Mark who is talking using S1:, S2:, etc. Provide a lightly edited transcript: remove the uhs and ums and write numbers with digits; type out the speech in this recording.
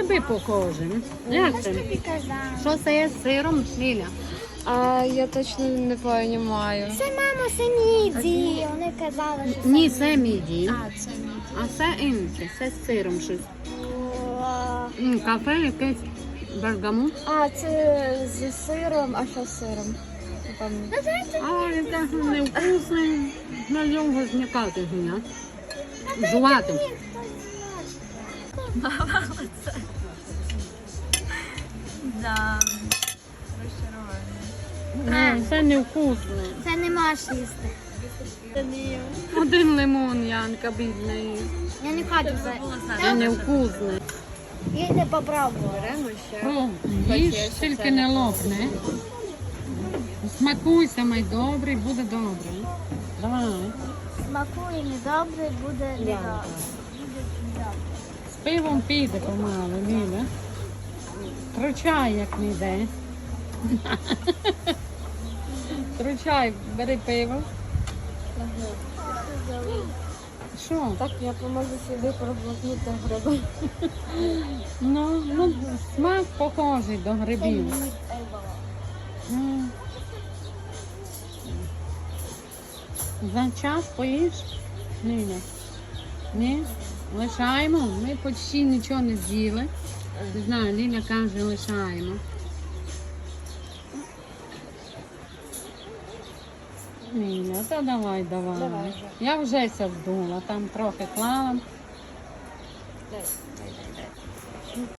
S1: гриби похожі. Як це?
S2: Тобі казала.
S1: Що це є з сиром, Ліля?
S3: А я точно не розумію.
S2: Це мама, це міді. Вони казали, що це
S1: Ні, це міді.
S3: А, це мій.
S1: А це інше, це з сиром щось.
S2: О,
S1: Кафе якесь бергамут.
S3: А, це зі сиром, а що з сиром? Не пам'ятаю.
S1: А, він так невкусний. На нього зникати гуня. Жувати.
S3: Да. Розчарування.
S1: Це невкусно.
S2: Це не можеш їсти.
S1: Один лимон, Янка, бідний.
S2: Я не хочу це.
S1: Це невкусне.
S2: Я не попробувала.
S3: Беремо ще.
S1: Їж, тільки не лопне. Смакуйся, май добрий, буде добре. Давай.
S2: Смакує недобре, буде недобре.
S1: З пивом піде помалу, Ліля. Тручай, як не йде. Тручай, бери пиво. Що?
S3: Так, я поможу собі проглотнути гриби.
S1: Ну, смак похожий до грибів. Ну. За час поїш? Ні. Ні? Лишаємо. Ми почти нічого не з'їли. Не знаю, Ліля каже, лишаємо. Ліля, та давай.
S3: Давай вже.
S1: Я вже ся здула, там трохи клала.